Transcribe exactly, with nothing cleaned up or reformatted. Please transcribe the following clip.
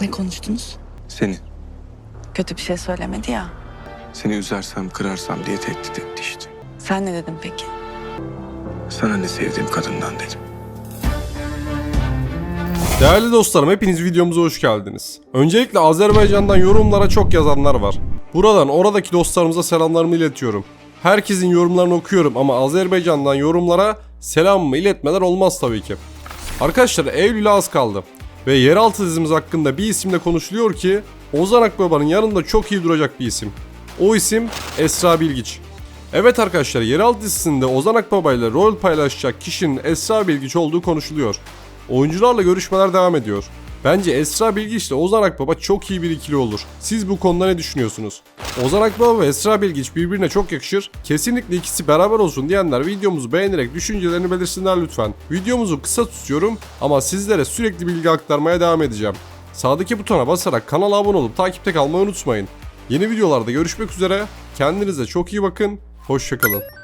Ne konuştunuz? Seni. Kötü bir şey söylemedi ya. Seni üzersem, kırarsam diye tehdit etti işte. Sen ne dedin peki? Sana ne sevdiğim kadından dedim. Değerli dostlarım, hepiniz videomuza hoş geldiniz. Öncelikle Azerbaycan'dan yorumlara çok yazanlar var. Buradan oradaki dostlarımıza selamlarımı iletiyorum. Herkesin yorumlarını okuyorum ama Azerbaycan'dan yorumlara selamımı iletmeler olmaz tabii ki. Arkadaşlar, Eylül'e az kaldı. Ve yeraltı dizimiz hakkında bir isimle konuşuluyor ki Ozan Akbaba'nın yanında çok iyi duracak bir isim. O isim Esra Bilgiç. Evet arkadaşlar, yeraltı dizisinde Ozan Akbaba ile rol paylaşacak kişinin Esra Bilgiç olduğu konuşuluyor. Oyuncularla görüşmeler devam ediyor. Bence Esra Bilgiç ile Ozan Akbaba çok iyi bir ikili olur. Siz bu konuda ne düşünüyorsunuz? Ozan Akbaba ve Esra Bilgiç birbirine çok yakışır. Kesinlikle ikisi beraber olsun diyenler videomuzu beğenerek düşüncelerini belirsinler lütfen. Videomuzu kısa tutuyorum ama sizlere sürekli bilgi aktarmaya devam edeceğim. Sağdaki butona basarak kanala abone olup takipte kalmayı unutmayın. Yeni videolarda görüşmek üzere. Kendinize çok iyi bakın. Hoşça kalın.